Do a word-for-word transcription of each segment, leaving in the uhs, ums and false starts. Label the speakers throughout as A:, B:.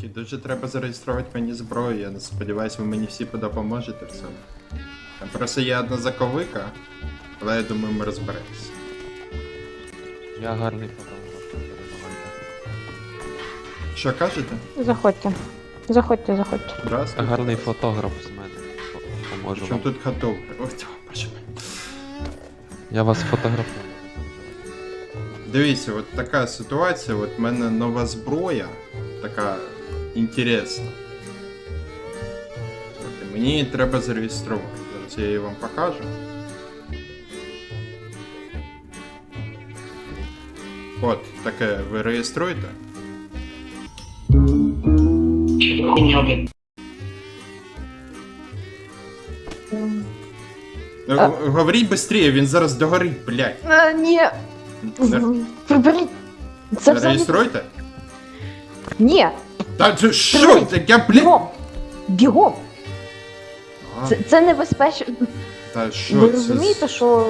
A: Хлопчики, дуже треба зареєструвати мені зброю. Я сподіваюся, ви мені всі допоможете в цьому. Там просто є одна заковика, але я думаю, ми розберемося.
B: Я гарний фотограф, передавайте.
A: Що кажете?
C: Заходьте. Заходьте, заходьте.
B: Я
A: Здравствуйте.
B: гарний фотограф з мене. Поможу
A: Чому
B: вам.
A: тут готов? Ой, боже мій.
B: Я вас фотографую.
A: Дивіться, от така ситуація, от в мене нова зброя, така інтересна. От, і мені її треба зареєструвати. Зараз я її вам покажу. От, таке ви реєструєте? Ну,
C: А.
A: говоріть швидше, він зараз догорить, блядь.
C: А, ні.
A: Не-
C: Приберіть. Це взагалі...
A: Реєструйте?
C: Ні.
A: Та це що?
C: Приберіть.
A: Так я, блядь.
C: Бігом. Бігом.
A: А,
C: Це, це небезпечно.
A: Та що
C: Ви
A: це
C: розумієте,
A: з-
C: що...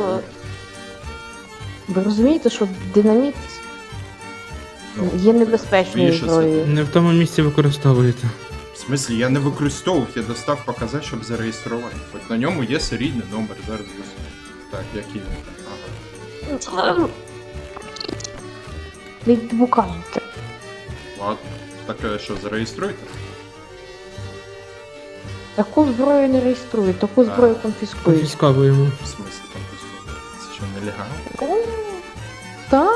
C: Ви розумієте, що динаміт
A: Ну,
C: є небезпечною
A: більше
C: зброєю.
D: Не в тому місці використовуєте.
A: В смислі, я не використовував, я достав показати, щоб зареєструвати. От на ньому є серійний номер, зараз буде. Так, який він там? Ага.
C: Ви покажете.
A: Ладно. Так е, що, зареєструйте?
C: Таку зброю не реєструють, таку зброю конфіскують.
D: Конфісковуємо.
A: В смислі там писано? Це що, нелегально?
C: О, так.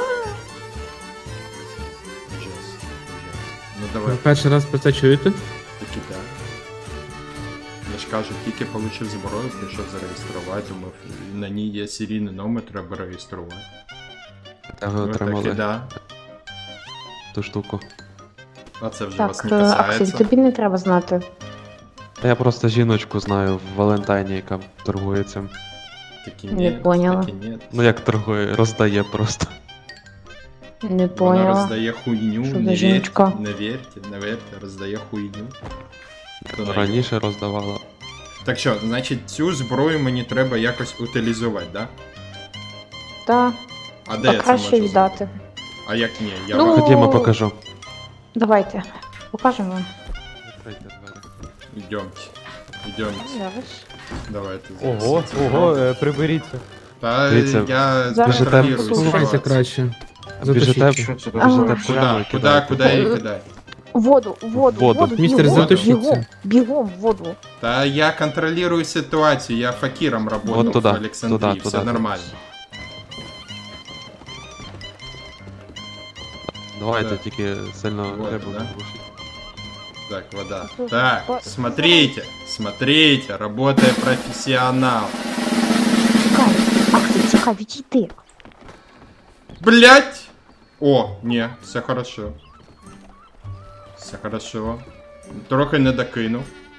A: Ужас. Ужас. Ну
D: Ви
A: давай,
D: перший раз про це чуєте?
A: таки так. Я ж кажу, тільки получив зброю, прийшов зареєструвати, думав, на ній є серійний номер, треба реєструвати.
B: Та ви
A: Ну, так і
B: отримали
A: да.
B: ту штуку.
A: А це вже вас
C: Так,
A: не
C: е, Аксель,
A: касається.
C: тобі не треба знати.
B: Та я просто жіночку знаю в Валентайні, яка торгує цим.
A: Такі
C: Не
A: ні,
C: поняла.
A: такі ні.
B: Ну як торгує, роздає просто.
C: Не
A: Вона
C: поняла.
A: роздає хуйню,
C: Що за
A: не вірте,
C: жіночка?
A: не вірте, не вірте, роздає хуйню. Хто на-
B: Раніше роздавала.
A: Так що, значить, цю зброю мені треба якось утилізувати, да?
C: Так,
A: А де
C: а
A: я це
C: краще
A: можу
C: віддати.
A: зробити? А як ні? Я
C: Ну,
A: вам...
B: Ходімо, покажу.
C: Давайте, покажемо вам.
B: Відкрийте двері.
A: Йдемте. Йдемте.
C: Зараз.
A: Давайте.
E: Ого,
A: зараз.
E: ого, е, приберіться.
A: Та
B: Дивіться,
A: я
C: Зараз
A: контролюю
C: послухайте.
D: Слухайте
A: ситуацію.
D: краще.
B: Біжите,
D: Затушіть.
B: біжите
C: Ага.
B: прямо
A: Куда?
B: і
A: Куда,
B: кидаєте.
A: куди її кидати?
C: Воду, воду,
B: Воду.
C: воду,
D: Містер,
C: бігом,
A: затушіться.
C: бігом, бігом, в воду.
A: Та я контролюю ситуацію, я факіром работал
B: Вот туда,
A: в Олександрії,
B: туда,
A: все
B: туда.
A: нормально.
B: Давайте
A: Да.
B: тільки сильно
A: Вот,
B: рибу
A: да.
B: не глушіть.
A: Так, вода.
C: Ну,
A: Так,
C: по-
A: смотрите, смотрите, работает профессионал.
C: Чекай, Аксель, чекай, відійди.
A: Блять! О, не, все хорошо. Все хорошо. Трохи не докинув.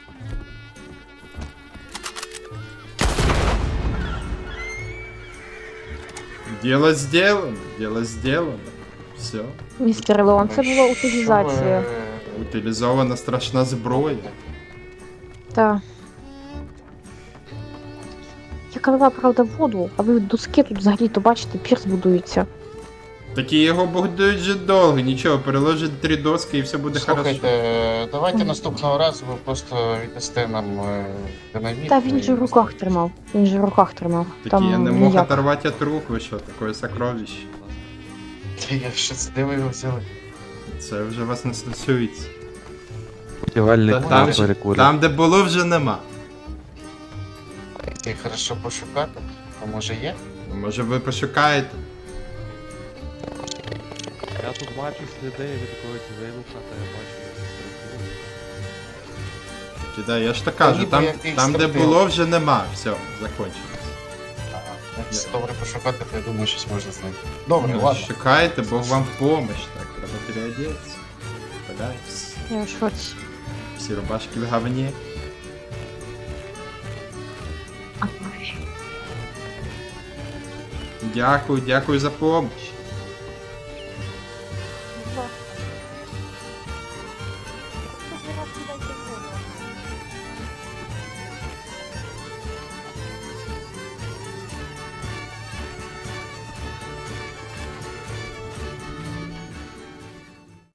A: Дело сделано, дело сделано. Все.
C: Містер Леон, це була утилізація.
A: Утилізована страшна зброя.
C: Так. Я казала, правда, воду, а ви доски тут взагалі-то бачите, пірс будується.
A: Такі його будують вже довго, нічого, переложить три доски і все буде
F: Слухайте,
A: хорошо.
F: е, давайте наступного разу ви просто віддасте нам е, динаміт.
C: Та він
F: і-
C: же в руках тримав. Він же в руках тримав.
A: Такі я не
C: Там
A: мог
C: ніяк.
A: оторвати от рук, ви що, таке сокровище.
F: Та я що це, де ви його взяли?
A: Це вже вас не стосується.
B: Будівельник
A: Та
B: на
A: там,
B: перекурі.
A: там, де було, вже нема.
F: Ти хорошо пошукати, а може є?
A: Може ви пошукаєте?
B: Я тут бачу сліди від якогось вибуха, та я бачу структуру.
A: Кидай, я ж так
F: Та
A: кажу,
F: ніби
A: там,
F: якийсь
A: там де
F: стратег.
A: було, вже нема. Все, закончилось.
F: Якщо добре пошукати, то я думаю, щось можна знайти. Добре,
A: Ну,
F: ладно.
A: шукайте, Бог вам в помощь. Так, треба переодеться. Подайтесь.
C: Я в шоці.
A: Всі рубашки в говні. Дякую, дякую за помощь.
C: Ага.